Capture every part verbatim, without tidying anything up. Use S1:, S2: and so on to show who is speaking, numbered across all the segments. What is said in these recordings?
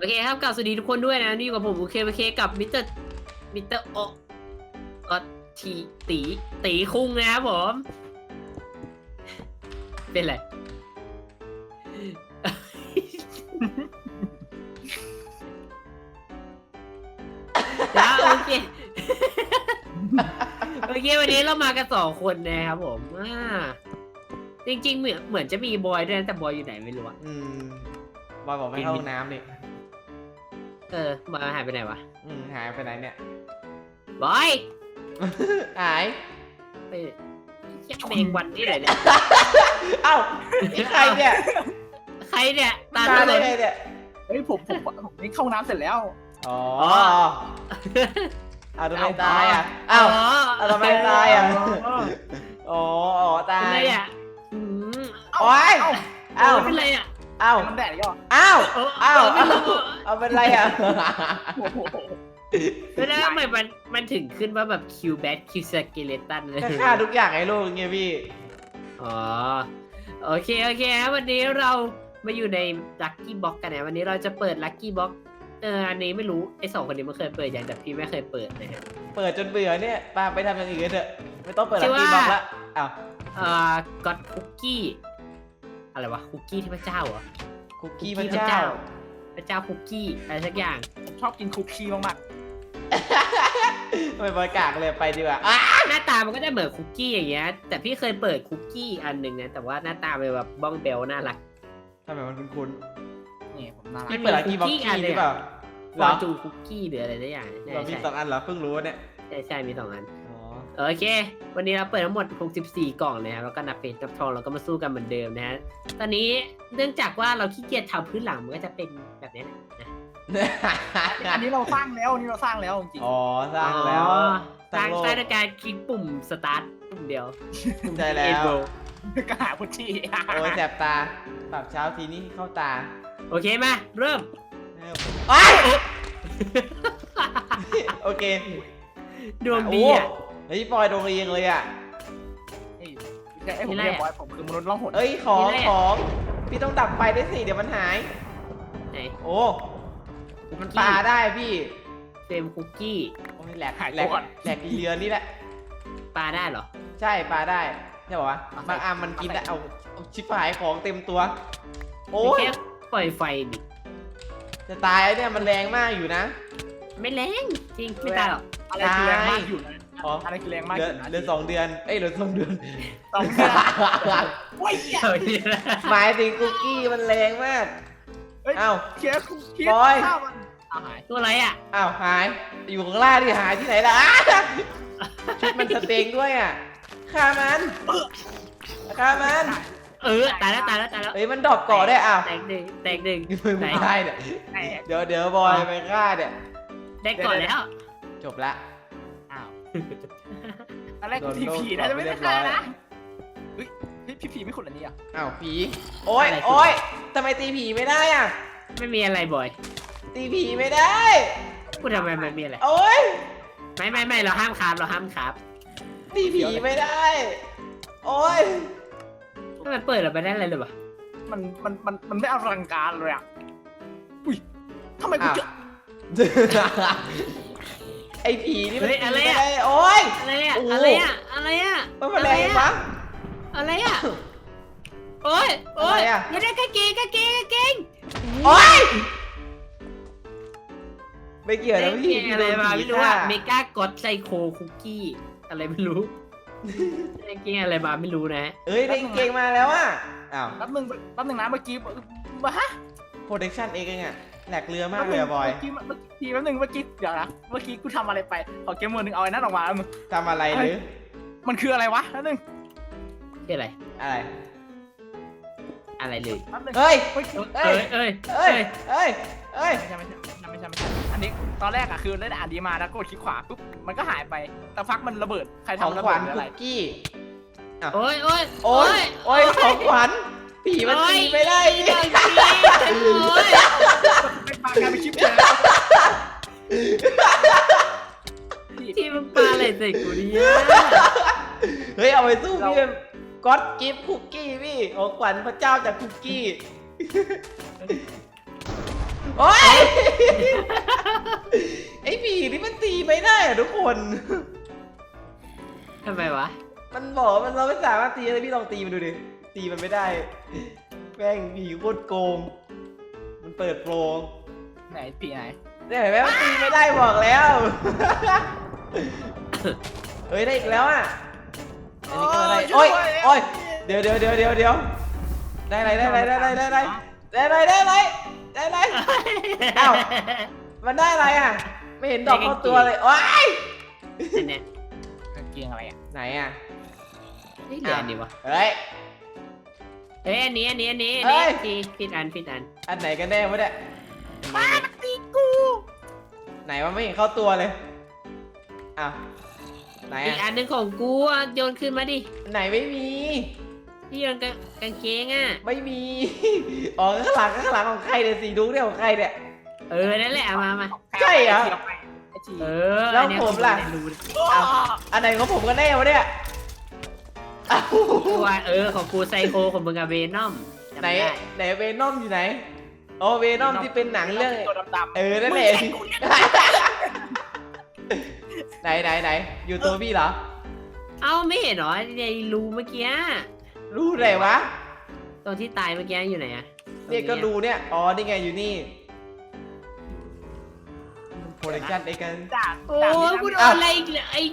S1: โอเคครับกลับสวัสดีทุกคนด้วยนะนี่อยู่กับผมโอเคโอเคกับมิสเตอร์มิสเตอร์โอก็ทีตีตีคุงนะครับผม เป็นไรแล้วโอเคโอเควันนี้เรามากันสองคนนะครับผมอ่าจริงๆเหมือนเหมือนจะมีบอยด้วยนะแต่บอยอยู่ไหนไม่รู้อะ
S2: อืมบอยบอกไม่เข้าห้องน้ำนี่
S1: เออบอยหายไปไหนวะ
S2: อืมหายไปไหนเนี่ย
S1: บอย
S2: หาย
S1: ไปแค่เมงวันที่ไหนเนี่ย
S2: เอ้านี่ใครเนี่ย
S1: ใครเนี่ยตา
S2: ตา
S1: ตา
S2: ได้
S1: เลย
S2: ไงเนี่ย
S3: เฮ้ยผมผมผมนี่เข้าน้ำเสร็จแล้ว
S2: อ๋อเอาทำไมตายอ่ะเอ้าเอาทำไมตายอ่ะอ๋ออ๋อตาย
S1: เป็นไรอ่ะอืม
S2: โอ้ยเอ้า
S1: เป็นไรอ่ะ
S2: เอ้า
S3: มันแดดก็
S2: เอ้า
S1: เออ
S2: เอ้า
S1: เออไม่รู้
S2: เอาเป็นไรอ่ะ
S3: โอ้โห
S1: แล้วทำไมมันมันถึงขึ้นว่าแบบคิวแบทคิวสเกเลตันเลย
S2: ก็ฆ่าทุกอย่างไอ้ลูกไงพี่
S1: อ๋อโอเคโอเคครับวันนี้เรามาอยู่ในลัคกี้บ็อกกันนะวันนี้เราจะเปิดลัคกี้บ็อกเอออันนี้ไม่รู้ไอ้สองคนนี้มันเคยเปิดอย่างแต่พี่ไม่เคยเปิดนะฮะ
S2: เปิดจนเบื่อเนี่ยปาไปทำอย่างอื่นเถอะไม่ต้องเปิด
S1: ชื่
S2: ลั
S1: อ
S2: ค
S1: ว่า
S2: กี้บ็อกละอ้าว
S1: เอ่อก็อดคุกกี้อะไรวะคุกกี้ที่พระเจ้าเหรอ
S2: คุกกี้พระเจ้า
S1: พระเจ้าคุกกี้อะไรสักอย่าง
S3: ผมชอบกินคุกกี้มาก
S2: ทำไมบอยกากเลยไปดีกว่าอ่ะ
S1: หน้าตามันก็จะเหมือนคุกกี้อย่างเงี้ยแต่พี่เคยเปิดคุกกี้อันหนึ่งนะแต่ว่าหน้าตาเป็นแบบบ้องเบลน่ารัก
S2: ทำไมมันคุ้น
S3: ๆนี่ผมน่า
S2: ๆ
S3: รัก
S2: พี่เปิดลัคกี้บ็อก
S1: คุกกี้
S2: กี้
S1: อันหนึ่
S2: ห
S1: ง
S2: รือเปล่า
S1: ฟ
S2: เหร
S1: อ
S2: อ
S1: ร์จูคุกกี้หรืออะไรสักอย่างใช่
S2: เรามี
S1: ใช่
S2: สองอันเหรอเพิ่งรู้เนี่ย
S1: ใช่ใช่มีสองอัน
S2: อ๋อ
S1: โอเค วันนี้เราเปิดทั้งหมดหกสิบสี่กล่องนะครับแล้วก็นับเป็นนับทองเราก็มาสู้กันเหมือนเดิมนะฮะตอนนี้เนื่องจากว่าเราขี้เกียจทำพื้นหลังมันก็จะเป็นแบบนี้นะ
S3: อันนี้เราสร้างแล้วอันนี้เราสร้างแล้วจริง
S2: อ๋อสร้างแล้ว
S1: อ๋อส
S2: สร้า
S1: ร้าง ง
S2: โลก
S1: สร้างด้วยการคลิกปุ่มสตาร์ทปุ่มเดียว
S2: ใช่แล้ว
S1: Enable
S3: ๆก็หาพุชชี่
S2: โอ้ยแสบตาปรับเช้าทีนี้เข้าตา
S1: โอเคมาเริ่ม
S2: โอ้ยโอเค
S1: ดวงดีอ่ะ
S2: โเฮ้ยปอยดวงดีจังเลยอ่ะ
S3: ไอ้ผมเรียกบอยผมคือมนุษย์ล่องหน
S2: เอ้ยของ
S1: มีอะไรอะ
S2: ของพี่ต้องดับไฟด้วยสิเดี๋ยวมันหาย
S1: ไหน
S2: โอ้มันปลาได้พี่
S1: เฟรมคุกกี้
S2: โอ้ยแหลกแหลกแหลกอีเรือนนี่แหละ
S1: ปลาได้เหรอ
S2: ใช่ปลาได้ใช่ป่าวะ
S1: เอาใส่
S2: บางอันมันกินได้เอาเอาชิบหายของเต็มตัว โอ้
S1: ไม่
S2: ย
S1: แค่ปล่อยไฟดิ
S2: จะตายแล้วเนี่ยมันแรงมากอยู่นะ
S1: ไม่แรงจริงไม่ตายหรอก
S3: อะไรคือแรงมากอยู่นะ
S2: อ๋อ
S3: อะไรคือแรงมาก
S2: เห
S3: อ
S2: ลือยู่
S3: นะ
S2: เหลือสองเดือนเอ้ยเหลือสองเดือน
S3: สองเดือนโอ้ย
S1: เฮ้ย
S2: หมายถึงคุกกี้มันแรงมาก
S3: เฮ้ย
S2: อ้าว
S3: เคียร์เคีย
S2: บอย
S3: ข้าวมันเอาหาย
S1: ตัวอะไรอ่ะ
S2: อ้าวหายอยู่ข้างล่างที่หายที่ไหนล่ะ อ้าชุดมันสเต็งด้วยอ่ะฆ่ามันฆ่ามัน
S1: เออตายแล้วตายแล้วตายแล้ว
S2: เฮ้ยมันดรอปก่อได้อ้าว
S1: แตกหนึ่งแตกหนึ่ง
S2: ไม่ได้เนี่ย
S3: แตก
S2: เดี๋ยวเดี๋ยวบอยไปฆ่าเนี่ย
S1: ได้ก่อนแล้ว
S2: จบละ
S3: อ้าวตอนแรก
S2: โดน
S3: ผี
S2: โดน
S3: ผีนะจะไม่
S2: เรี
S3: ได้
S2: ยบร้
S3: ฆ่า
S2: อย
S3: นะเฮ้ยพี่ผีไม่ขุดอันนี้อ่ะ
S2: อ้าวผีโอ้ยโอ้ยทำไมตีผีไม่ได้อ่ะ
S1: ไม่มีอะไรบ่อย
S2: ตีผีไม่ได้
S1: พูดทำไมมันมีอะไร
S2: โอ้ย
S1: ไม่ไม่ไม่เราห้ามคาบเราห้ามคาบ
S2: ตีผีไม่ได้ โอ้ย
S1: ถ้ามันเปิดเราไปได้อะไรเลยวะ
S3: มันมันมันมันไม่อลังการเลยอ่ะอุ้ยทำไมกูเจอ
S2: ไอ้ผีนี่มัน
S1: เฮ้ยอะไร
S2: ตี
S1: อะ
S2: ไม่ได้โอ้ย
S1: อะไรอะ
S2: โอ้โห
S1: อะไรอะอะไรอะ
S2: มันมาแรงปะ
S1: อะไรอะโอ้ยโอ้ย
S2: อะไรอะ
S1: ไม่ได้กางเกงกางเกงกางเกง
S2: โอ้ยไม่เกี่ยวนะพี่
S1: กางเกง
S2: พี่
S1: อะไร
S2: โดน
S1: มา
S2: ผี
S1: ไม่รู้
S2: ฆ่า
S1: อะเมกากอดไซโคคุกกี้อะไรไม่รู้กางเกงอะไรมาไม่รู้นะ
S2: เอ้ยได้เก่งมาแล้วอ่ะอ้าว
S3: แป๊บนึงแป๊บนึงนะเมื่อกี้มาฮะ
S2: protection เองไงแหลกเรือมากเลยอะบอย
S3: เมื่อกี้เมื่อกี้แป๊บนึงเมื่อกี้เดี๋ยวนะเมื่อกี้กูทำอะไรไปขอเกมมือหนึ่งเอาไอ้นั่นออกมามึง
S2: ทำอะไรหรือ
S3: มันคืออะไรวะแป๊บนึง
S1: คืออะไร
S2: อะไร
S1: อะไรเลย
S3: แป๊บนึง
S2: เฮ้ย
S3: เฮ้ย
S2: เอ้
S1: เอ้
S2: ย
S1: ยเอ้ย
S2: เอ้ย เอ้ย เอ้ย
S3: ไม่ใช่ไม่ใช่ไม่ใช่ไม่ใช่อันนี้ตอนแรกอะคือเล่นอ่านดีมาแล้วกดคลิกขวาปุ๊บมันก็หายไปแต่ฟักมันระเบิดใคร
S2: ของ
S3: ทำระ
S2: ข
S3: เบิ
S2: วั
S3: ด
S2: ญ
S3: หรือ
S2: คุ
S3: อะไร
S2: กกี้
S1: โอ้ยโอ้ย
S2: โอ้ย โอ้ยของขวัญผีมันตีไม่ได้
S1: โอ้
S2: นี่
S1: ยโอ้ย
S3: เป็นปากกลายเป็นคลิปเลยนะ
S1: ที่มึงปาอะไรใส่กูเนี่ย
S2: เฮ้ย เอาไปสู้พี่ก็อดกิฟต์คุกกี้พี่ของขวัญพระเจ้าจากคุกกี้ โโอ้ยไอ้ผีนี่มันตีไม่ได้อะทุกคน
S1: ทำไมวะ
S2: มันบอกมันเราไม่สามารถตีเลยพี่ลองตีมันดูดิตีมันไม่ได้แม่งผีโคตรโกงมันเปิดโปร
S3: ไหนปีไหน
S2: เนี่ยเห็นไหมมันตีไม่ได้บอกแล้ว เฮ้ยได้อีกแล้วอ่ะอันนี้ก็ได้โอ้ยโอ้ยเดี๋ยวเดี๋ยวเดี๋ยวเดี๋ยวเดี๋ยวได้อะไรได้อะไรได้อะไรได้อะไรได้อะไรได้อะไรได้อะไรอ้าวมันได้อะไรอ่ะไม่เห็นดอกเข้าตัวเลยโอ้ย
S1: อันเนี้ย
S3: กางเกงอะไรอ่ะ
S2: ไหนอ่ะ
S1: นี่เดือนดีวะ
S2: เฮ้ย
S1: เฮ้ยอันนี้อันนี้อันนี้อัน
S2: เฮ้
S1: นี้
S2: ย
S1: ผิดผิดอันผิดอัน
S2: อันไหนกันแน่วะเนี่ย
S1: อันนี้
S3: ตีกู
S2: ไหนมันไม่เห็นเข้าตัวเลยอ้าวไหน
S1: อีก
S2: อ่ะ
S1: อันหนึงของกูอ่ะโยนขึ้นมาดิ
S2: ไหนไม่มี
S1: ที่โยนกางกางเกงอ่ะ
S2: ไม่มี อ๋อข้างหลังข้างหลังของใครเนี่ยสีดุ๊กเนี่ยของใครเนี่ย
S1: เออนั่นแหละเอามามา
S2: ใช่เหรอ
S3: ไอจี
S1: เออ
S2: แล้ว
S1: อันเนี้ย
S2: ผมล่ะ
S1: ไรู้
S2: เอาอันไหนของผมกันแน่วะเนี่ยอ้าว
S1: ตัวเออของกูไซโคของมึงอะเวนอมจำ
S2: ไหน
S1: ด้
S2: ไหนเวนอมอยู่ไหนอ๋อเวนอมที่เป็นหนังเรื่อง
S3: ตัวดำๆ
S2: เออนั่นแหละไหนไหนไหนอยู่ตัวพี่เหรอ
S1: เอ้าไม่เห็นเหรอในรูเมื่อกี้
S2: รู้ไหนวะ
S1: ตรงที่ตายเมื่อกี้อยู่ไหนอะ
S2: เนี่ยก็ดูเนี่ยอ๋อนี่ไงอยู่นี่โปรดักชั่นไอ้กัน
S3: จาก
S1: โอ้
S3: จาก
S1: ยกูโดนอะไรอีกเลยไอ้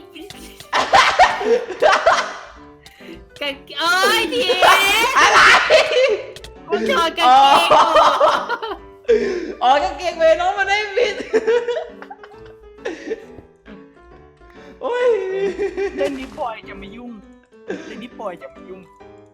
S1: กางเอ้ยที
S2: อะไร
S1: กูโดนกางเกงกู
S2: อ๋อกางเกงเวนอมมันได้ผิดโอ้ย
S3: เล่นนี้ปล่อยจะไม่ยุ่งเล่นนี้ปล่อยจะไม่ยุ่ง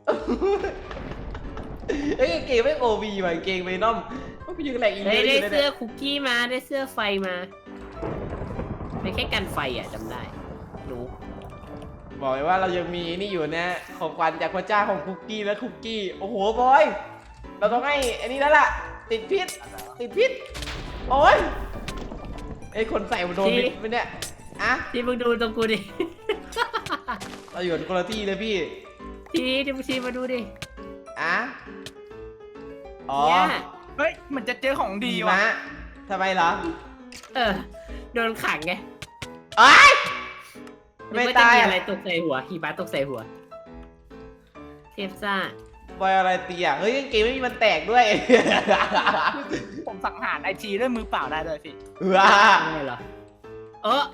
S2: เอ้ยกางเกงไม่โอวีว่ะกางเกงเวนอมมันไปยืนแหลกอีก
S1: ได้
S2: เลย
S1: ได้เสื้อคุกกี้มาได้เสื้อไฟมาเป็นแค่กันไฟอ่ะจำได้รู้
S2: บอกเลยว่าเรายังมีนี่อยู่นะของขวัญจากพระเจ้าของคุกกี้และคุกกี้โอ้โหบอยเราต้องให้อันนี้แล้วล่ะติดพิษติดพิษโอ้ยไอ้คนใส่มันโดนพิษไปเนี่ยอะ
S1: ที่มึงดูตรงกูดิ
S2: เราอยู่คนละที่เลยพี่
S1: ทีที่มึงทีมาดูดิ
S2: อะอ๋อ
S1: เนี่ย
S3: เฮ้ยมันจะเจอของดี
S2: ดี
S3: ว่ะ
S2: วะทำไมเหรอ
S1: เออโดนขังไง
S2: ไอ้ย
S1: นึก
S2: ไม่
S1: ว่าจะ
S2: ตาย
S1: มี
S2: อะ
S1: อะไรตกใส่หัวหิมะตกใส่หัวเทพซ่า
S2: บอยอะไรตีอ่ะเฮ้ยกางเกงไม่มีมันแตกด้วย
S3: ผมสังหารไอจีด้วยมือเปล่าได้เลยพี่
S2: ว้า
S1: ไม่เหรอเออ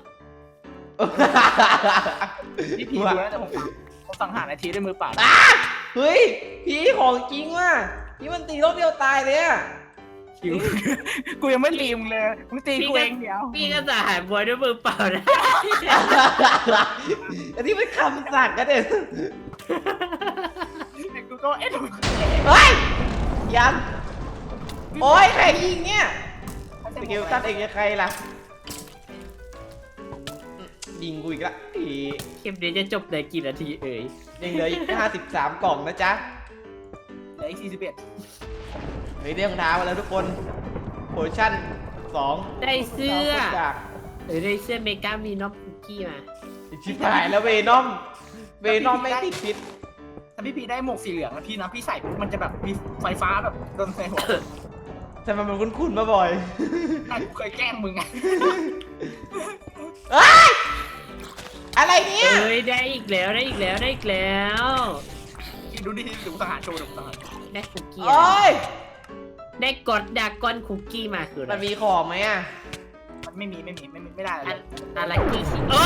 S3: พี่พีดูนะแต่ผมผมสังหารไอจีด้วยมือเปล่า
S2: อ่ะเฮ้ยพี่ของจริงว่ะพี่มันตีรอบเดียวตายเลยอ่ะ
S3: คิวกูยังไม่ตีมึงเลยมึงตีกูเองเดียว
S1: พี่ก็จะหายบวยด้วยมือเปล่านะ
S2: อันนี้เป็นคำสั่งกันเด็ด
S3: แต่กูก็เอ๊ะ
S2: เฮ้ยยังโอ้ยใครยิงเนี่ยสกิลตัดเองจะใครล่ะยิงกูอีกละอี
S1: คลิปนี้จะจบในกี่นาทีเอ่ย
S2: ยังเหลืออีกห้าสิบสามกล่องนะจ๊ะ
S3: เหลืออีกสี่สิบเอ็ด
S2: เฮ้ยได้รองเท้ามาแล้วทุกคนโพชั่นสอง
S1: ได้เสื้อ
S2: จาก
S1: หรือได้เสื้อเมกามีน็อปคุกกี้มา
S2: ชิบหายแล้วเวนอมเวนอมไม่ติดพิษ
S3: ถ้าพี่พีได้หมวกสีเหลืองนะพี่นะพี่ใส่ปุ๊บมันจะแบบมีไฟฟ้าแบบโดนใส่หัว
S2: ทำไมมันคุ้นๆมาบ่อย
S3: แต่กูเคยแกล้งมึงไง
S2: เอ้ยอะไรเนี่ย
S1: เอ้ยได้อีกแล้วได้อีกแล้วได้อีกแล้ว
S3: ดูดิดูสังหารโชว์ดูสังหาร
S1: ได้คุกกี้
S2: โอ้ย
S1: ได้กดดากอนคุกกี้มาคืออะไร
S2: มันมีของไหมอ่ะ
S3: มันไม่มีไม่มีไม่มีไม่ได้เล
S1: อั
S3: ย
S1: นอะไรกี้สิโอ้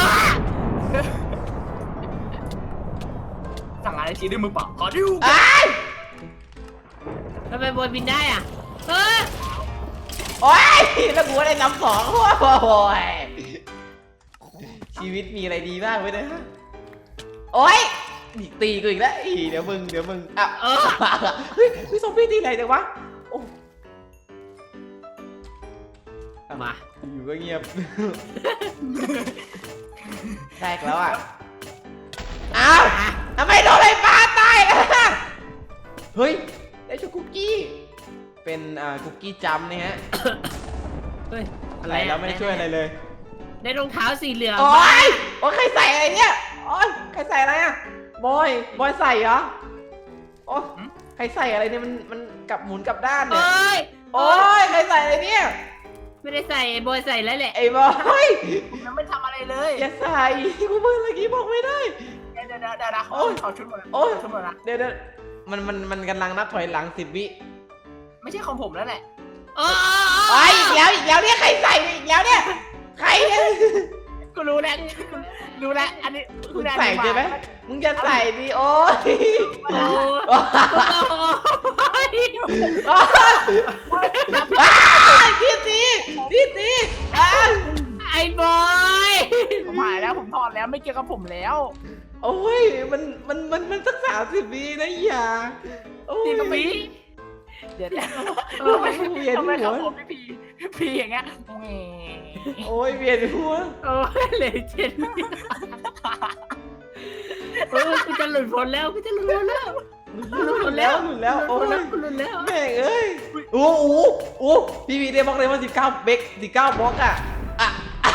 S3: สั่งอะไรทีด้วยมือเปล่าขอดิว
S2: ไอ้ย
S1: ทำไมบอยบินได้อ่ะเออ
S2: โอ้ยแล้วกูได้นำสองโอ้ยชีวิตมีอะไรดีบ้างไว้นะโอ้ยอีกตีกูอีกแล้วอีเดี๋ยวมึงเดี๋ยวมึงอ่ะ
S1: เออ
S2: เฮ้ยพี่ซอมบี้ตีไหนจังวะโอ้
S1: มา
S2: อยู่ก็เงียบ แตกแล้วอ่ะอ้าวทำไมโดนไฟฟ้าตายล่ะเฮ้ยได้ช็อกคุกกี้เป็นอ่าคุกกี้จัมป์นะฮะ
S1: เฮ้ย
S2: อะไรแล้วไม่ได้ช่วยอะไรเลย
S1: ได้รองเท้าสีเหลือง
S2: โอ๊
S1: มาย
S2: โอ๊ยใครใส่อะไรเนี่ยโอ๊ยใครใส่อะไรอ่ะบอยบอยใส่เหรอโอ๊ยใครใส่อะไรเนี่ยมันมันกลับหมุนกลับด้าน
S1: โอ
S2: เนี่ย้
S1: ย
S2: โอ้ยใครใส่อะไรเนี่ย
S1: ไม่ได้ใส่ไอ้บอยใส่แล้วแหละ
S2: ไอ้บอย
S3: ผมยังไม่ทำอะไรเลย
S2: อย่าใส่กูเพิ่งเมื่อกี้บอกไม่ได้
S3: เดี๋ยวเดี๋ยวเดี๋ยวเดี๋ยว
S2: โอ้ย
S3: เขาชุดหมดแล้ว
S2: โอ้ย
S3: ชุดหมดแล้ว
S2: เดี๋ยวเดี๋ยวมันมันมันกำลังนับถอยหลังสิบวิ
S3: ไม่ใช่ของผมแล้วแหละ
S1: โอ้
S2: ไอ้ยอีกแล้วอีกแล้วเนี่ยใครใส่อีกแล้วเนี่ยใครเนี่ย
S3: กูรู้แล้วกูรู้แล้วอันนี้
S2: มึงใส่ใช่ไหมมึงจะใส่ดิโอ้ย
S1: โอ้
S2: โอ้ย
S1: โอ้
S2: อ้าวทีทีทีทีอ้าว
S1: ไอ้บอย
S3: ผมหายแล้วผมถอดแล้วไม่เกี่ยวกับผมแล้ว
S2: โอ้ยมันมันมันมันสักสามสิบวินะอย่าโอ้ย
S3: จริงกับพี่เดี๋ยวเดี๋ยว
S2: โอ้ยเวียน
S3: ทำไม
S2: หั
S3: เขา
S2: ว
S3: ผมพี่พีพีอย่างเงี้ยแหม
S2: โอ้ยเวียนหัว
S1: โอ้ยเลยเจ็ดโอ้ยกูจะหลุดพ้นแล้วกูจะหลุดพ้นแล้ว
S2: หลุดแล้วหลุดแล้วโอ้ย
S1: หลุดแล้ว
S2: แม่งเอ้ยโอ้โหโอ้พี่พีได้บล็อกเลยว่าสิบเก้าเบกสิบเก้าบล็อกอะอะ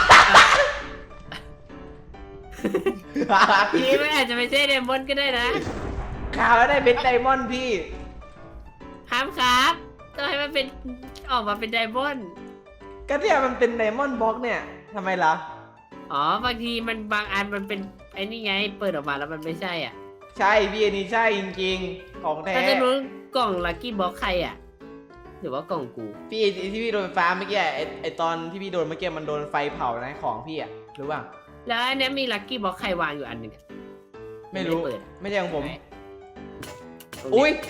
S1: พี่ไม่อาจจะไม่ใช่เดมอนก็ได้นะ
S2: ข่าวแล้วได้เบสไดมอนด์พี่
S1: ครับครับต้องให้มันเป็นออกมาเป็นไดมอนด์
S2: ก็เนี่ยมันเป็นไดมอนด์บล็อกเนี่ยทำไมล่ะ
S1: อ๋อบางทีมันบางอันมันเป็นไอ้นี่ไงเปิดออกมาแล้วมันไม่ใช่อ่ะ
S2: ใช่พี่อันนี้ใช่จริงๆของแท้
S1: ถ้าจะรู้กล่องลัคกี้บ็อกใครอ่ะหรือว่ากล่องกู
S2: พี่ที่พี่โดนไฟฟ้าเมื่อกี้ไอไอตอนที่พี่โดนเมื่อกี้มันโดนไฟเผานะของพี่อะรู้ป่ะ
S1: แล้วอันเนี้ยมีลัคกี้บ็อกใครวางอยู่อันหนึ่งอะ
S2: ไม่รู้
S1: ไม่ได้เปิด
S2: ไม่ใช่ของผม
S1: ตรง
S2: อุ้ย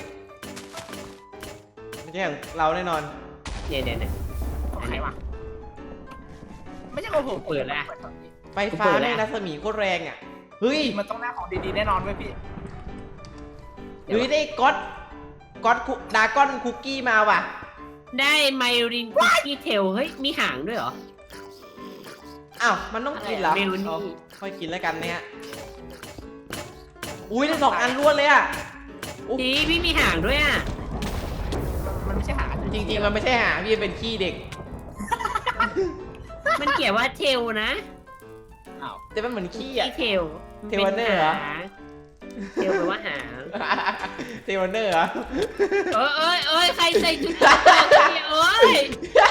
S1: นี้
S2: ไม่ใช่ของเราแน่นอน
S1: เนี่ยเนี่ยเนี่ย
S3: ของใครวะไม่ใช่ของผม
S1: เปิดแล้ว
S2: ไฟฟ้าในรัศมีโคตรแรงอ่ะเฮ้ย
S3: มันต้องได้ของดีๆแน่นอนเว้ยพี่
S2: เฮ้ยได้ก๊อตก๊อตคุดาก้อนคุกกี้มาว่ะ
S1: ได้ไมรินคุกกี้เทลเฮ้ยมีหางด้วยเหรอ
S2: อ้าวมันต้องกินเหรอ
S1: ไม่รู้นี่
S2: เอาค่อยกินแล้วกันเนี่ยอุ้ยได้สองอันรวดเลยอ่ะ
S1: ดีพี่มีหางด้วยอ่ะ
S3: มันไม่ใช่หา
S2: จริงๆมันไม่ใช่หาพี่เป็นขี้เด็ก
S1: มันเขียนว่าเทลนะ
S3: อ้าว
S2: แต่มันเหมือนขี้อ่ะ
S1: ที่เทล
S2: เทลวันเนอร์เหรอ
S1: เทลแปลว่าหาง
S2: เทวันเนอร์เหรอ
S1: เอ้ยเอ้ยเอ้ยใครใส่ชุดเกราะเนี่ยเอ้ย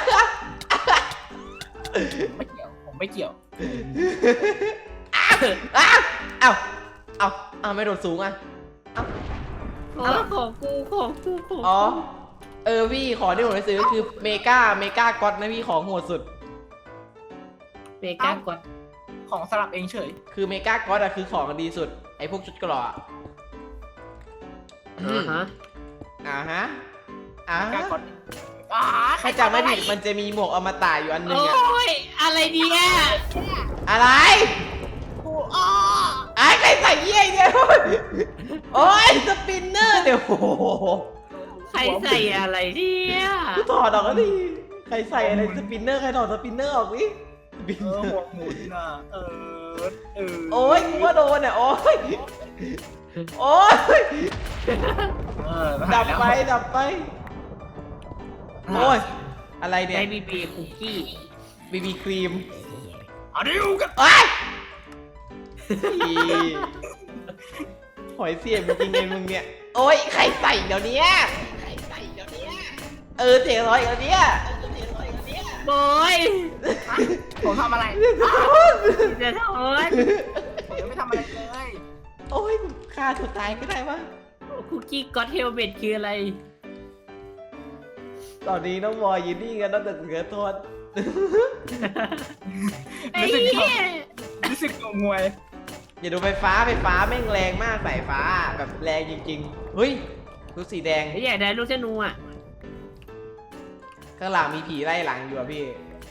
S3: ไม่เกี่ยวผมไม่เกี่ยว
S2: อ้าวอ้าวอ้าวอ้าวอ้าวไม่โดดสูงอ่ะ
S1: โอ้ยของกูของกูของ
S2: อ๋อ
S1: กู
S2: เออพี่ของที่ผมไปซื้อคือเมกาเมกาก๊อตนะพี่ของโหดสุด
S1: เมกากด
S3: ของสลับเองเฉย
S2: คือเมกาก๊อตอะคือของดีสุดไอพวกชุดเกราะอะ
S1: อ่าฮะ
S2: อ่าฮะอ่า
S3: แก
S2: ฮะ
S3: กดอ่า
S2: ถ้าจำไม่ผิดมันจะมีหมวกอมตะอยู่อันหนึง
S1: โอ้
S2: อะ
S1: ยอะไรดีอ่ะ
S2: อะไร
S3: กูอ้อ
S2: ไอ้ใครใส่เยี่ยเนี่ยโอ้ยสปินเนอร์เดี๋ยวโอ้โห
S1: ใครใส่อะไรเนี่ย
S2: กูถอดออกแล้วดิใครใส่อะไรสปินเนอร์ใครถอดสปินเนอร์ออกดิสปิน
S3: เอ
S2: เน
S3: อ
S2: อ
S3: หัว
S2: ร์
S3: หมุนน่ะเออเออ
S2: โอ้ยกูว่าโดนเนี่ยโอ้ยโอ้ย
S3: เออ
S2: ดับไปดับไปโอ้ยอะไรเนี่ย
S1: ได้บีบีคุกกี้
S2: บีบีครีม
S3: เอาดิวกัน
S2: โอ้ยอีหอยเสียบจริงๆเลยมึงเนี่ยโอ้ยใครใส่เดี๋ยวนี้ใครใส่เดี๋ยวนี้เออเสียงร้อยเดี๋ยวนี้
S1: บอย
S3: ผมทำอะไร
S1: จะทอน
S3: ผมยังไม่ทำอะไรเลย
S2: โอ้ยฆ่าตัวตายก็ได้วะ
S1: คุกกี้ก็อตเฮลเมตคืออะไร
S2: ตอนนี้น้องบอยยืนนิ่งกันตั้งแต่เหลือโทษ
S1: ไอ้เหี้ย
S3: รู้สึกงงงวย
S2: อย่าดูไฟฟ้าไฟฟ้าแม่งแรงมากสายฟ้าแบบแรงจริงๆ เฮ้ยดูสีแดง
S1: ไอ้อยากได้ลูกธนูอ่ะ
S2: ข้างหลังมีผีไล่หลังอยู่อะพี่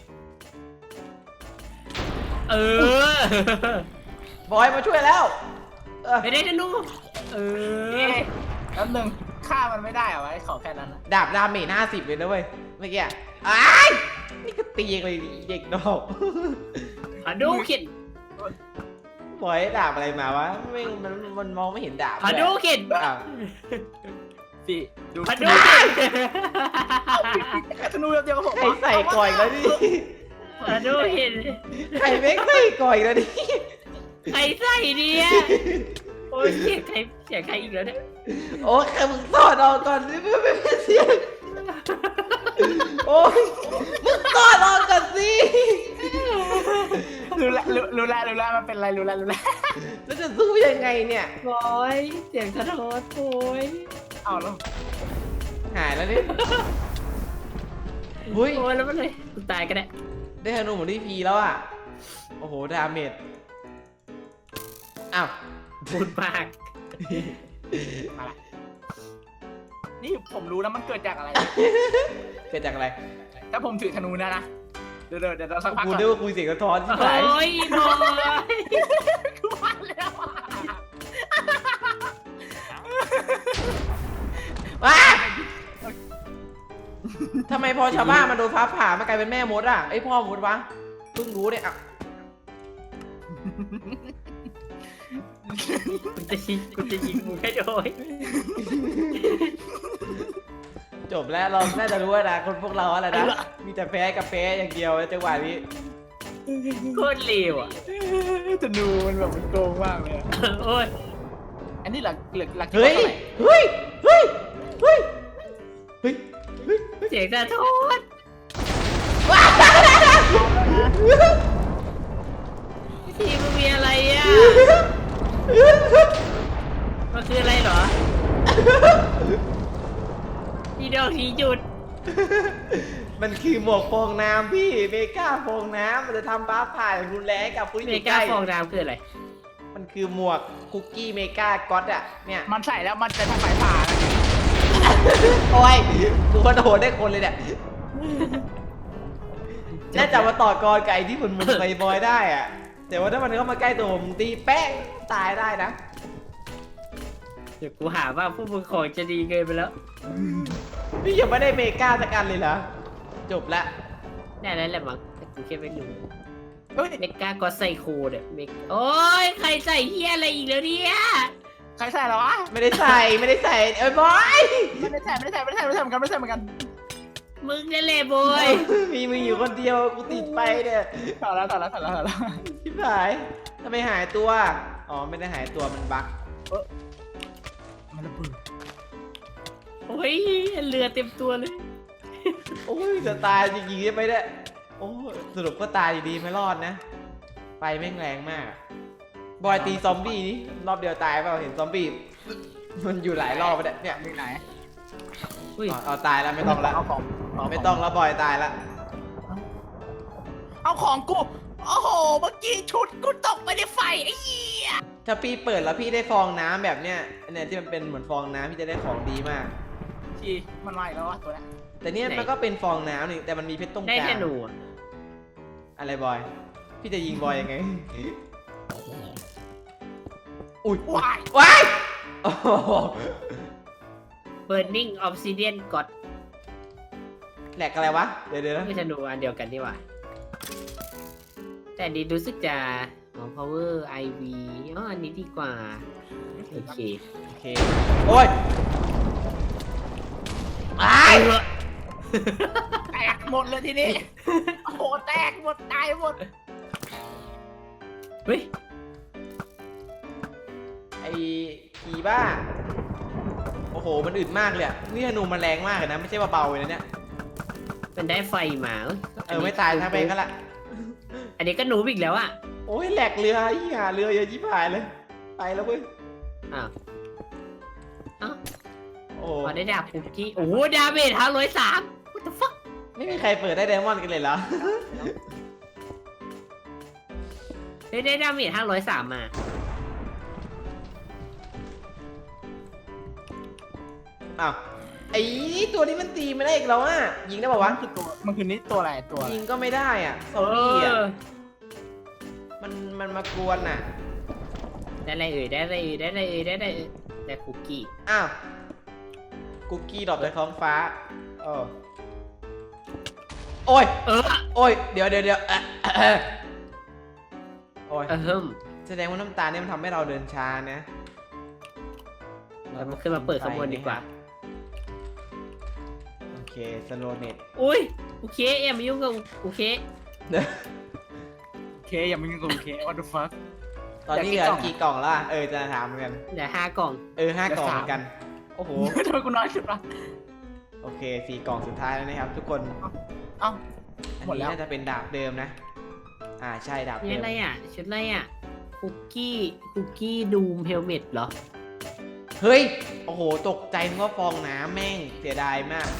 S1: เออ
S2: บอยมาช่วยแล้วเออ
S1: ไปได้ธนู เออ
S3: เอ๊ะแล้วหนึ่งฆ่ามันไม่ได้เหรอวะไอ้ขอแค่นั้นนะ
S2: ดาบดาเมจห้าสิบเลยนะเว้ยเมื่อกี้อะอ้ายนี่ก็ตีเลยเด็กดอก
S1: ขอดูเข็น
S2: บอยดาบอะไรมาวะไม่มันมันมองไม่เห็นดาบ
S1: ขอดูเข็น
S2: อ้าว
S3: พี่ดู
S1: ขอดูเข็น
S3: ธนูเดียวกับผม
S2: ใครใส่ก่อยแล้วดิ
S1: ขอดูเข็น
S2: ใครไม่ใส่ก่อยแล้วดิ
S1: ใครใส่เนี่ยโอ้ยเสียงใครเสียงใครอีกแล้วเนี่ย
S2: โอ้ยมึงสอดออกก่อนดิไม่ไม่ไม่เสียงโอ้ยมึงกอดออกกันสิ
S3: รู้แล้วรู้รู้แล้วรู้แล้วมันเป็นอะไรรู้แล้วรู้แล้ว
S2: แล้วจะสู้ยังไงเนี่ย
S1: โอ้ยเสียงสะท้อนโอ้ย
S3: เอาแล้ว
S2: หายแล้วนี่เฮ้ย
S1: โอ้ยแล้วมันเลยกูตายก็ได้
S2: ได้ธนูเหมือนที่พีแล้วอ่ะโอ้โหดาเมจอ้าว
S1: พูดมาก
S3: มาละนี่ผมรู้แล้วมันเกิดจากอะไร
S2: เกิดจากอะไร
S3: ถ้าผมถือธนูนะนะเดี๋ยวเดี๋ยวเดี๋ยวเราสักพัก
S2: กู
S3: ก่อน
S2: นึกว่าคุยเสียงกระท้อนที่ไหน
S1: โอ้ยบอย
S3: กูว่าแล้วอะ
S2: ว้าทำไมพอชาวบ้านมาโดนฟ้าผ่ามันกลายเป็นแม่มดอ่ะไอยพ่อมดวะเพิ่งรู้เนี่ยอ่ะ
S1: กูจะยิงกูจะยิงมึงให้โดย
S2: จบแล้วเราน่าจะรู้แล้วนะคนพวกเราอะไรนะมีแต่แพ้กับแพ้อย่างเดียวจังหวะนี้
S1: โคตรเลวอ่ะ
S3: ธนูมันแบบมันโกงมากเลยอะ
S1: โอ้ย
S3: อันนี้หลักหลักหลัก
S2: เฮ้ยเฮ้ยเฮ้ยเฮ้ยเฮ้ยเฮ้ย
S1: เสียงสะท้อน ทีมันมีอะไรอ่ะ มันคืออะไรเหรอทีดอกทีหยุด
S2: มันคือหมวกฟองน้ำพี่เมกาฟองน้ำมันจะทำฟ้าผ่าอย่างรุนแรงกับผู้ที่
S1: เม
S2: อยู่ใก
S1: กา
S2: ล้
S1: ฟองน้ำคืออะไร
S2: มันคือหมวกคุกกี้เมกาก๊อตอ่ะเนี่ย
S3: มันใส่แล้วมันจะทำสายผ่านะ
S2: โอ้ยกูก็โดนได้คนเลยเนี่ยน่าจะมาต่อกรกับไอ้ที่มันมันไฟบอยได้อ่ะแต่ว่าถ้ามันเข้ามาใกล้ตัวผมตีแป้งตายได้นะ
S1: เดี๋ยวกูหาว่าผู้ปกครองจะดีเกินไปแล้ว
S2: พี่ยังไม่ได้เมกาสักอันเลยเหรอจบละ
S1: ได้แล้วแหละมั้งแต่กูแค่ไม่รู้
S3: เฮ้ย
S1: เมกาก็ไซโคเนี่ยเมกโอ้ยใครใส่เฮียอะไรอีกแล้วเนี่ย
S3: ใครใส่แล้ววะ
S2: ไม่ได้ใส่ไม่ได้ใส่เอ้ยบอย
S3: ไม่ได้ใส่ไม่ได้ใส่ไม่ได้ใส่ไม่ได้ใส่เหมือนกันไม่ได้ใส่เหมือนกัน
S1: มึงนั่นแหละบอย
S2: มีมึงอยู่คนเดียวกูติดไปเนี่ย
S3: ถอดแล้วถอดแล้วถอดแล้วถอดแล้ว
S2: ชิบหายทำไมหายตัวอ๋อไม่ได้หายตัวมันบั๊ก
S3: มันระเบิด
S1: โอ้ยเรือเต็มตัวเลย
S2: โอ้ยจะตายจริงๆใช่ไหมเนี่ยโอ้ยสรุปก็ตายอยู่ดีไม่รอดนะไฟแม่งแรงมากบอยตีซอมบี้นี่รอบเดียวตายเปล่าเห็นซอมบี้มันอยู่หลายรอบไปเนี่ย
S3: มีไหน
S1: อุ้ย
S2: อ๋อเอาตายแล้วไม่ต้องละ
S3: เอาของ
S2: ไม่ต้องแล้วบอยตายละ
S3: เอาของกูโอ้โหเมื่อกี้ชุดกูตกไปในไฟไอ้เหี้ย
S2: ถ้าพี่เปิดแล้วพี่ได้ฟองน้ำแบบเนี้ยเนี่ยที่มันเป็นเหมือนฟองน้ำพี่จะได้ของดีมาก
S3: ทีมันมาอีกแล้ววะตัวนี้
S2: แต่เนี่ยมันก็เป็นฟองน้ำนี่แต่มันมีเพชรตรงก
S1: ได้
S2: ลาง
S1: แค่หนูอะ
S2: อะไรบอย พี่จะยิงบอยยังไง อุ้ย
S3: ว้าย
S2: ว้ายโอ้โห
S1: Burning Obsidian God
S2: แหลกอะไรวะ เดี๋ยวเดี๋ยวนะ
S1: ไม่ใช่หนูอันเดียวกันนี่หว่าแต่อันนี้รู้สึกจะอ๋อ Power ไอ วี อ๋ออันนี้ดีกว่า โอเค
S2: โอเค โอ้ยอ้าย
S3: แตกหมดเลยทีนี้โอ้โหแตกหมดตายหมด
S1: เฮ้ย
S2: ไอ้ผีบ้า โอ้โห มันอึดมากเลยอะนี่ธนูมันแรงมากเลยนะ ไม่ใช่ว่าเบาเลยนะเนี่ย
S1: มันได้ไฟมาเอ้ย
S2: เออ ไม่ตายทั้งไปก็ละ
S1: อันนี้ก็หนูอีกแล้วอ่ะ
S2: โอ้ยแหลกเรืออีห่าเรือเยอะยิบหายเลย ไปแล้วเว้ย
S1: อ้าวอ้าว
S2: โอ้
S1: พอได้ดาบปุกกี้ โอ้โหดาเมจห้าร้อยสาม what the fuck
S2: ไม่มีใครเปิดได้ไดมอนด์กันเลยเหรอ
S1: ได้ได้ดาเมจห้าร้อยสามมา
S2: อ้าว ไอ้ตัวนี้มันตีไม่ได้อีกแล้วอ่ะ ยิงได้ป่าวะ
S3: มันคือตัวมันคือนี่ตัวอะไรตัวอะไร
S2: ยิงก็ไม่ได้อ่ะซ
S1: เอ
S2: อมบี้อ่ะ
S1: อ
S2: มันมันมากวนอ่ะ
S1: ได้อะไรเอ่ย ได้อะไรเอ่ย ได้อะไรเอ่ย ได้อะไรเอ่ยได้คุกกี้
S2: อ้าว คุกกี้ดรอปจากท้องฟ้าเออโอ้ย
S1: เออ
S2: โอ้ย เดี๋ยวเดี๋ยวเดี๋ยวอ่ะอ่ะโอ้ย
S1: เออเฮิม
S2: แสดงว่าน้ำตาลเนี่ยมันทำให้เราเดินช้านะ
S1: เรามาขึ้นมาเปิดขบวนดีกว่า
S2: โอเคสโลเน็ต
S1: อุ้ย โอเคอย่ามายุ่งกับโอเค
S3: โอเคอย่ามึงกูโอเค what the fuck
S2: ตอนนี้เหลือกี่กล่องแล้วอะเออ จะถามเหมือนกัน
S1: เดี๋ยวห้ากล่อง
S2: เออห้ากล่องเหมือนกัน โอ้โห
S3: ทำไมกูน้อยสุดวะ
S2: โออเคสี่กล่องสุดท้ายแล้วนะครับทุกคน
S3: เอ้า
S2: อัน
S3: หมด
S2: นี้
S3: แล้ว
S2: น่าจะเป็นดาบเดิมนะ อ่าใช่ดาบ
S1: นี่
S2: เดิม
S1: อะไรอ่ะชุดอะไรอ่ะคุกกี้คุกกี้ดูมเฮลเมตเหรอ
S2: เฮ้ย โอ้โห ตกใจนึกว่าฟองน้ำแม่งเสียดายมาก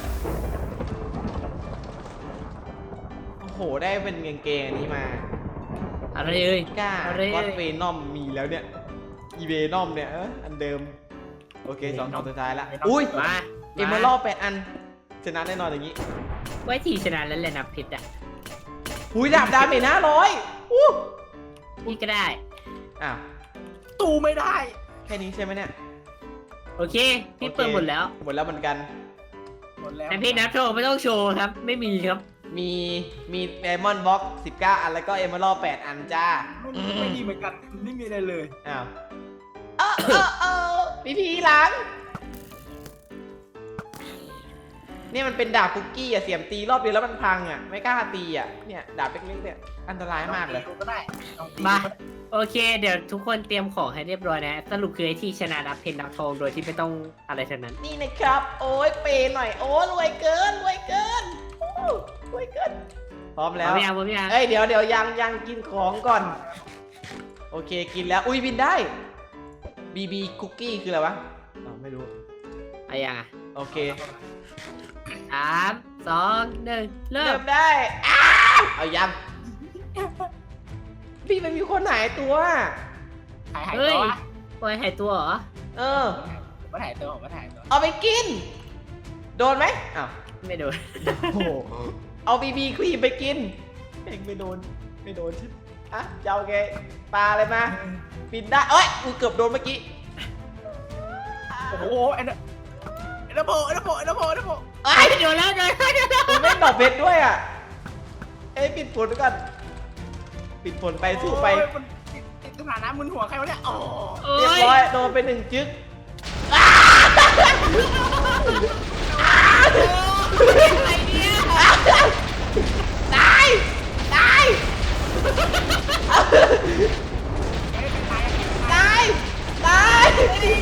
S2: โอ้โห ได้เป็นกางเกงอันนี้มา
S1: อะไรเอ่ย
S2: กล้า
S1: อะไร
S2: ก็อ
S1: เอ่
S2: ด
S1: ย
S2: เวนอมมีแล้วเนี่ย อีเวนอมเนี่ยเอออันเดิม โอเคสองกล่องสุดท้ายละ อุ้ย
S1: มา
S2: เอมเมอรัลแปดอัน ชนะแน่นอนอย่างนี้
S1: ไว้ทีชนะแล้วแหละนะเพชรอ่ะ
S2: หุยดาบดาเมจห้าร้อยอู้
S1: พี่ก็ได้
S2: อ้าว
S3: ตู้ไม่ได้
S2: แค่นี้ใช่ไหมเนี่ย
S1: โอเค พี่เปิดหมดแล้ว
S2: หมดแล้วเหมือนกัน
S3: หมดแล้ว
S1: แต่พี่นับโชว์ไม่ต้องโชว์ครับ ไม่มีครับ
S2: มีมีไดมอนด์บ็อกสิบเก้าอันแล้วก็เอมเมอรัลแปดอันจ้า
S3: ไม่ไม่ดีเหมือนกันไม่มีอะไรเลย
S2: อ้าวเออเออเออพี่พีหลัง นี่มันเป็นดาบคุกกี้อะเสียมตีรอบเดียวแล้วมันพังอะไม่กล้าตีอะเนี่ยดาบเล็กๆเนี่ยอันตรายมากเลย
S3: องตีก็ได้ลองตี
S1: มา
S3: ก็ได้
S1: โอเค เดี๋ยวทุกคนเตรียมของให้เรียบร้อยนะ สรุปคือไอ้ที่ชนะนับเพชรนับทองโดยที่ไม่ต้องอะไรทั้งนั้น
S2: นี่นะครับ โอ้ยเปย์หน่อยโอ้รวยเกินรวยเกินโอ้รวยเกินพร้อม
S1: พ
S2: แล้
S1: ร้อ
S2: ว
S1: มยังพร้อมยัง
S2: เอ้ยเดี๋ยวเดี๋ยวยังยังกินของก่อน โอเคกินแล้วอุ้ยบินได้บีบีคุกกี้คืออะไรวะอ๋อไม่รู้
S1: อะไรยังอ่ะ
S2: โอเค
S1: สามสองหนึ่งเริ่
S2: เริ่
S1: ม
S2: มได้อ้าวเอายัง พี่มันมีคนหายตัว
S3: หายหาย
S1: เฮ้
S3: ตั
S1: ยว
S3: วะ
S1: ปล่อยหายตัวเหรอ
S2: เออ
S3: ผมว่าหายตัวผมว่าหายตัว
S2: เอาไปกิน โดนไหมอ้าว
S1: ไม่โดน
S2: โอ้โหเอาบีบีครีมไปกินเองไม่โดนไม่โดนชิบอ่ะจะเอาไงปลาอะไรมาบินได้เอ้ยกูเกือบโดนเมื่อกี้
S3: โอ้โหไอ้นั่นไอ้ระโบไอ้ระโบไอ้ระโบไอ้ระโบ
S2: ไอ้
S1: โดนแล้วโดนแล้วโดนแล้ว
S2: กูไม่ตอบเพชรด้วยอ่ะเอ้ยปิดฝนก่อนปิดฝนไปสู้ไป
S3: โอ้ยมันติดสถานะมึนหัวใครวะเนี่ยโอ้
S1: โอ้
S2: เรียบ
S1: ย
S2: ร้อยโดนไปหนึ่งจึ๊ก
S1: อะไรเนี่ย
S2: ตายตาย
S3: ตาย
S2: ตายตาย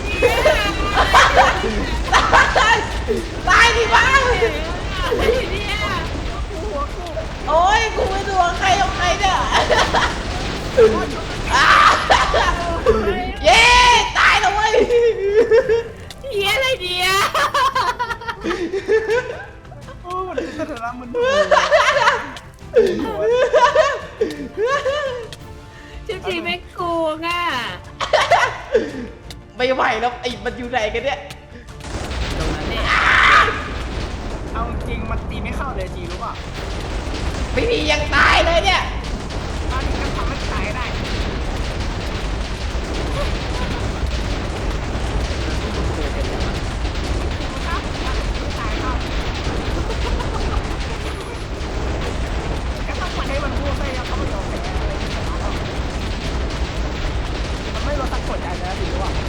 S2: ตายตายดิบ้าง
S1: อะไรเนี่ย
S2: โอ้ยกูไม่ดูใครเอาใครเนี่ยเย้ตายแล้วเว้ย
S1: เฮียอะไรเนี่ย
S3: โอ้มันติดสถานะมึนหัว
S1: จริงๆไม่โกงอ่ะ
S2: ไม่ไหวแล้วไอ้มันอยู่ไหนกันเนี่ย
S1: ตรงนั้นเนี่ย
S3: เอาจริงมันตีไม่เข้าเลยจีรู้ป่ะ
S2: ไม่มียังตายเลยเนี่ย
S3: ตอนนี้ก็ทำให้ตายได้ก็ต้องปล่อยให้มันพูดไปแล้วเขาไม่ยอมแพ้มันไม่ลดสักกดใจแล้วจีรู้ป่ะ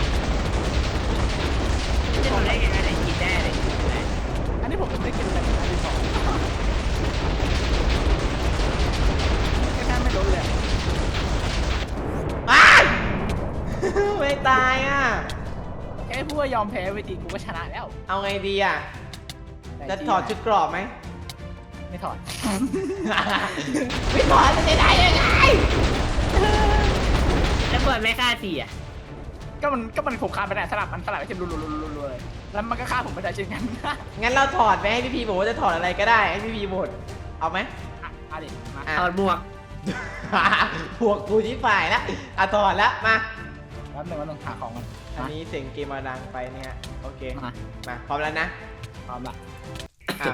S1: จะโดนได้ไงอะไรกินได้อะไรกินได้
S3: อันนี้ผมยังไม่ได้กินเลยอันที่สองแค่แค่ไม่โดนเลย
S2: อ้ายไม่ตายอ่ะ
S3: แค่พูดว่ายอมแพ้เวทีกูก็ชนะแล้ว
S2: เอาไงดีอ่ะ จะถอดชุดกรอบไหม
S3: ไม่ถอด
S2: ไม่ถอดจะได้ยังไง
S1: แล้วเปิดไม่ฆ่าทีอ่ะ
S3: ก็มันก็มันขบคานไปไหนสลับมันสลับไปเช่นรัวๆๆๆเลยแล้วมันก็ฆ่าผมไม่ได้เช่นกัน
S2: งั้นเราถอดไปให้พี่พีบอกว่าจะถอดอะไรก็ได้ให้พี่พีหมดเอาไหม
S3: อ่ะเอาดิมา
S2: อ่ะ
S1: ถอดหมวก
S2: พวกกูที่ฝ่ายละอ่ะถอดละมา
S3: แป๊บนึงว่าต้องหาของมัน
S2: อันนี้เสียงเกมมาดังไปเนี่ยโอเค
S3: มา
S2: มาพร้อมแล้วนะ
S3: พร้อมละ
S2: อ่ะ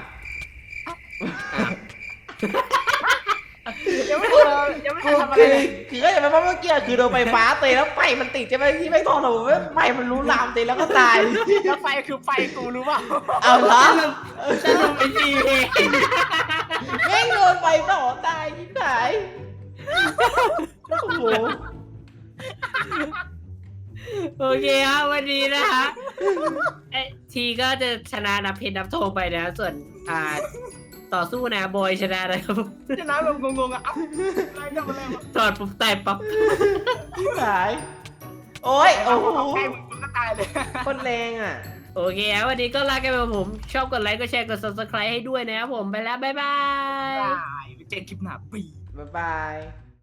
S3: ยังไม่ทันเลยยังไม่ทันทำอะไร
S2: คือ
S3: เลย
S2: คือก็อย่างเมื่อกี้คือโดนไฟฟ้าเตะแล้วไฟมันติดใช่ไหมที่ไม่ถอดหรอกไฟมันรู้ลามเตะแล้วก็ตาย
S3: แล้วไฟคือไฟกูรู้เปล่า
S2: เอาเหรอ
S1: สรุปเป็นทีเอง
S2: แม่งโดนไฟต่อตายยิ่งไหนโอ้โห
S1: โอเคครับวันนี้นะคะเอ้ทีก็จะชนะนับเพชรนับทองไปนะส่วนอ่าต่อสู้นะบอยชนะนะครับ
S3: ชนะแบบงงๆอ่ะอัพอะไรกันมาแล้ว
S1: ถอดปุ๊บตายปั๊บ
S2: ยิ่งไหนโอ้ยโอ้โห
S3: ใกล้มึงก็ตายเลย
S2: คนแรงอ่ะ
S1: โอเคครับวันนี้ก็ลากันไปผมชอบกดไลค์กดแชร์กด ซับสไครบ์ ให้ด้วยนะครับผมไปแล้วบ๊ายบาย
S3: ได้ไปเจอคลิปหน้าปี
S2: บ๊ายบาย